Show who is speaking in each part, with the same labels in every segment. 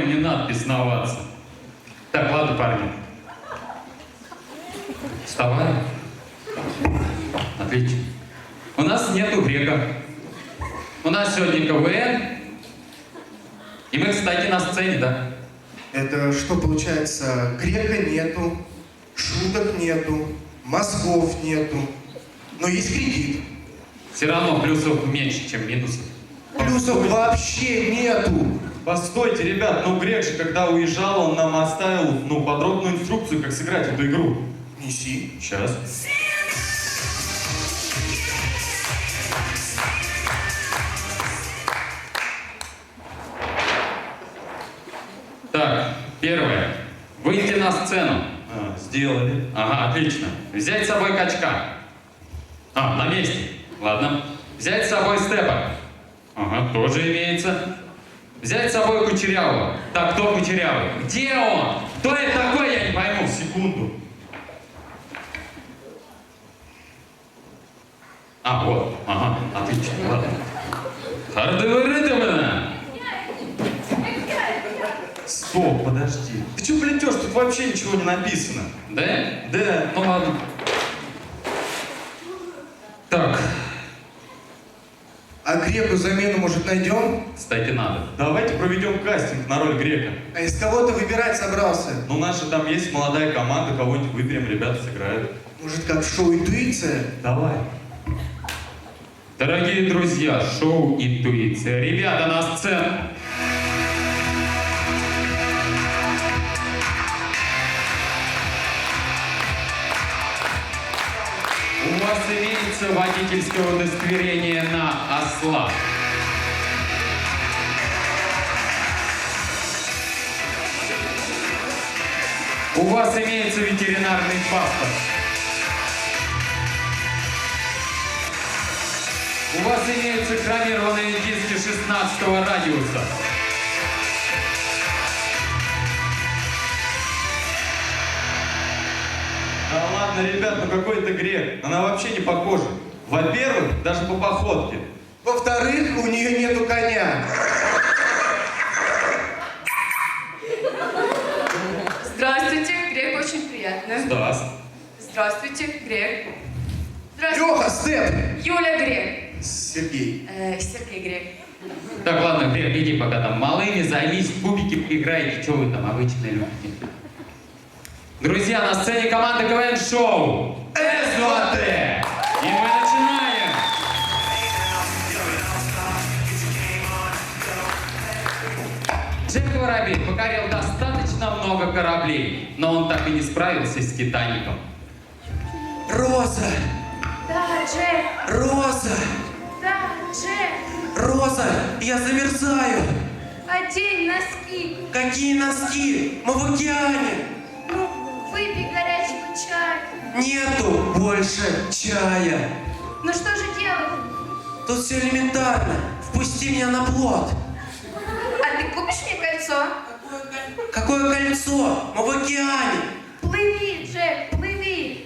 Speaker 1: говорил, не надо бесноваться. Так, ладно, парни. Вставай. Отлично. У нас нету грека. У нас сегодня КВН. И мы, кстати, на сцене, да?
Speaker 2: Это что получается? Грека нету, шуток нету, мозгов нету, но есть кредит.
Speaker 1: Все равно плюсов меньше, чем минусов.
Speaker 2: Плюсов вообще нету.
Speaker 3: Постойте, ребят, ну Грек же, когда уезжал, он нам оставил, подробную инструкцию, как сыграть эту игру.
Speaker 2: Неси.
Speaker 3: Сейчас.
Speaker 1: Так, первое. Выйти на сцену.
Speaker 3: Сделали.
Speaker 1: Ага, отлично. Взять с собой качка. На месте. Ладно. Взять с собой степа. Ага, тоже имеется. Взять с собой кучерявого. Так, кто кучерявый? Где он? Кто это такой, я не пойму.
Speaker 3: Секунду.
Speaker 1: Вот. Ага, отлично. Ладно. Хардовый.
Speaker 3: Стоп, подожди. Ты что плетешь? Тут вообще ничего не написано.
Speaker 1: Да?
Speaker 3: Да.
Speaker 1: Ну ладно. Так,
Speaker 2: А Греку замену, может, найдем?
Speaker 1: кстати, надо.
Speaker 3: Давайте проведем кастинг на роль Грека.
Speaker 2: А из кого ты выбирать собрался?
Speaker 3: Ну, наша там есть молодая команда, кого-нибудь выберем, ребята сыграют.
Speaker 2: Может, как в шоу «Интуиция»?
Speaker 3: Давай.
Speaker 1: Дорогие друзья, шоу «Интуиция». Ребята, на сцену. У вас имеется водительское удостоверение на осла. У вас имеется ветеринарный паспорт. У вас имеются хромированные диски 16-го радиуса.
Speaker 3: Да ладно, ребят, какой это Грек? Она вообще не похожа. Во-первых, даже по походке.
Speaker 2: Во-вторых, у нее нету коня.
Speaker 4: Здравствуйте, Грек, очень приятно.
Speaker 1: Здравствуйте.
Speaker 4: Здравствуйте, Грек. Здравствуйте.
Speaker 2: Леха, Степ.
Speaker 4: Юля Грек.
Speaker 2: Сергей.
Speaker 4: Сергей Грек.
Speaker 1: Так, ладно, Грек, иди пока там малыми, займись, в кубики поиграете, что вы там обычные люди. Друзья, на сцене команда КВН-шоу СВТ. И мы начинаем. Джек Воробей покорил достаточно много кораблей, но он так и не справился с Титаником.
Speaker 2: Роза.
Speaker 4: Да, Джек.
Speaker 2: Роза.
Speaker 4: Да, Джек.
Speaker 2: Роза, я замерзаю.
Speaker 4: Одень носки.
Speaker 2: Какие носки? Мы в океане.
Speaker 4: Ну, выпей горячего чая.
Speaker 2: Нету больше чая.
Speaker 4: Ну что же делать?
Speaker 2: Тут все элементарно. Впусти меня на плот.
Speaker 4: А ты купишь мне кольцо?
Speaker 2: Какое кольцо? Мы в океане.
Speaker 4: Плыви, Джек, плыви.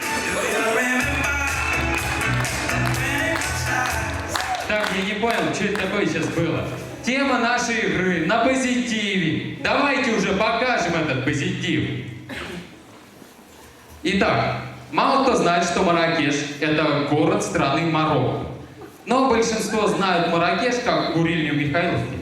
Speaker 1: Так, я не понял, что это такое сейчас было. Тема нашей игры на позитиве. Давайте уже покажем этот позитив. Итак, мало кто знает, что Марракеш – это город страны Марокко. Но большинство знают Марракеш как курильню Михайловки.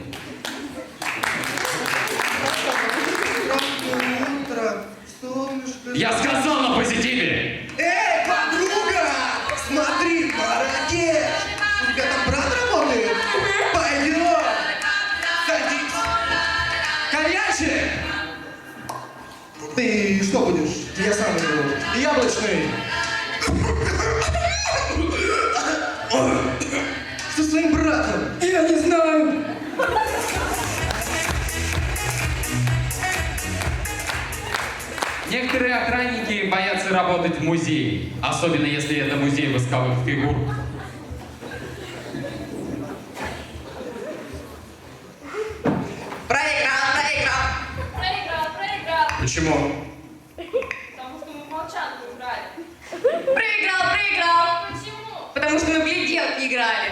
Speaker 2: Утро, солнышко.
Speaker 1: Я сказал на позитиве!
Speaker 2: Эй, подруга! Смотри, Марракеш! У тебя там брат работает? Пойдем! Садись! Коньячек! Ты что будешь? Я сам буду. Яблочный! Что с твоим братом? Я не знаю!
Speaker 1: Некоторые охранники боятся работать в музее, особенно если это музей восковых фигур.
Speaker 4: Проиграл.
Speaker 1: Почему?
Speaker 4: Потому что мы в молчанку играли. Проиграл. Почему? Потому что мы в гляделки играли.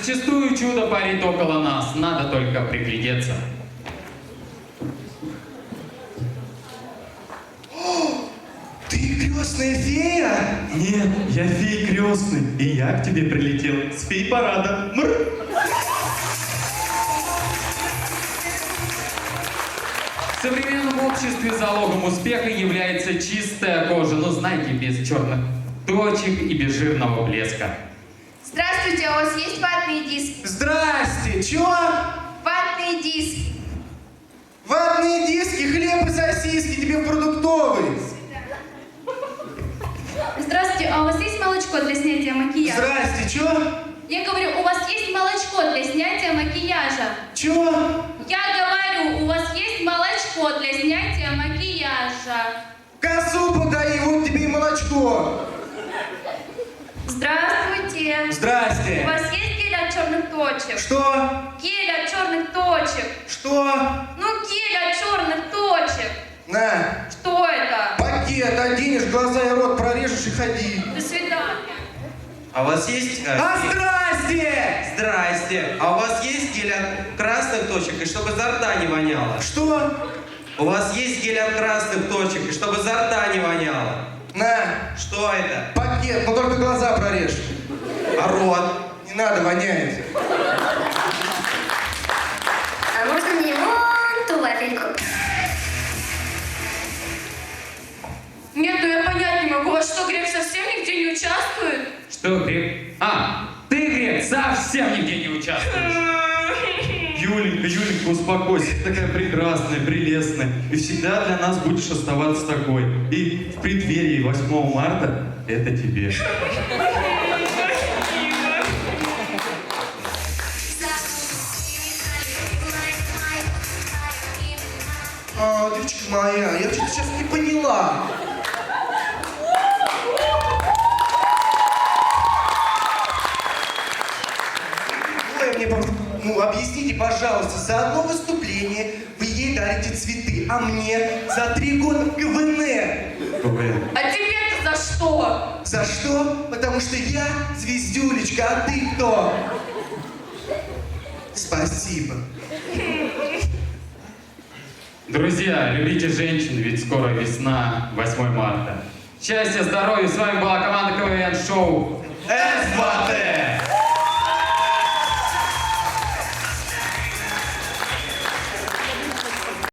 Speaker 1: Зачастую чудо парит около нас, надо только приглядеться.
Speaker 2: Ты крестная фея?
Speaker 3: Нет, я фей крестный, и я к тебе прилетел с фей-парада. Мр.
Speaker 1: В современном обществе залогом успеха является чистая кожа, ну знаете, без черных точек и без жирного блеска.
Speaker 4: Здравствуйте, а у вас есть ватные диски?
Speaker 2: Здрасте, чё?
Speaker 4: Ватные диски.
Speaker 2: Ватные диски, хлеб и сосиски тебе в продуктовый.
Speaker 5: Здравствуйте, а у вас есть молочко для снятия макияжа?
Speaker 2: Здрасте, чё?
Speaker 5: Я говорю, у вас есть молочко для снятия макияжа?
Speaker 2: Чё?
Speaker 5: Я говорю, у вас есть молочко для снятия макияжа?
Speaker 2: Косу подай, вот тебе и молочко.
Speaker 5: Здравствуйте. У
Speaker 2: Здрасте.
Speaker 5: вас есть гель от черных точек?
Speaker 2: Что?
Speaker 5: Гель от черных точек.
Speaker 2: Что?
Speaker 5: Ну, гель от черных точек.
Speaker 2: На,
Speaker 5: Что это?
Speaker 2: пакет оденешь, глаза и рот прорежешь и ходи.
Speaker 5: До свидания.
Speaker 3: А у вас есть...
Speaker 2: А здрасте!
Speaker 6: Здрасте. А у вас есть гель от красных точек, и чтобы изо рта не воняло?
Speaker 2: Что?
Speaker 6: У вас есть гель от красных точек, и чтобы изо рта не воняло?
Speaker 2: На,
Speaker 6: Что это?
Speaker 2: пакет, но только глаза прорежь.
Speaker 6: А рот?
Speaker 2: Не надо, воняет.
Speaker 7: А можно мне вон ту вафельку?
Speaker 5: Нет, ну я понять не могу. А что, Грек совсем нигде не участвует?
Speaker 1: Что, Грек? А, ты, Грек, совсем нигде не участвуешь.
Speaker 3: Юленька, успокойся, ты такая прекрасная, прелестная, и всегда для нас будешь оставаться такой. И в преддверии 8 марта это тебе.
Speaker 2: А, девочка моя, я что-то сейчас не поняла. Ой, мне просто, ну, объясните, пожалуйста, за одно выступление вы ей дарите цветы, а мне за 3 года КВН.
Speaker 3: КВН.
Speaker 5: А тебе-то за что?
Speaker 2: За что? Потому что я звездюлечка, а ты кто? Спасибо.
Speaker 1: Друзья, любите женщин, ведь скоро весна, 8 марта. Счастья, здоровья, с вами была команда КВН-шоу
Speaker 2: С2!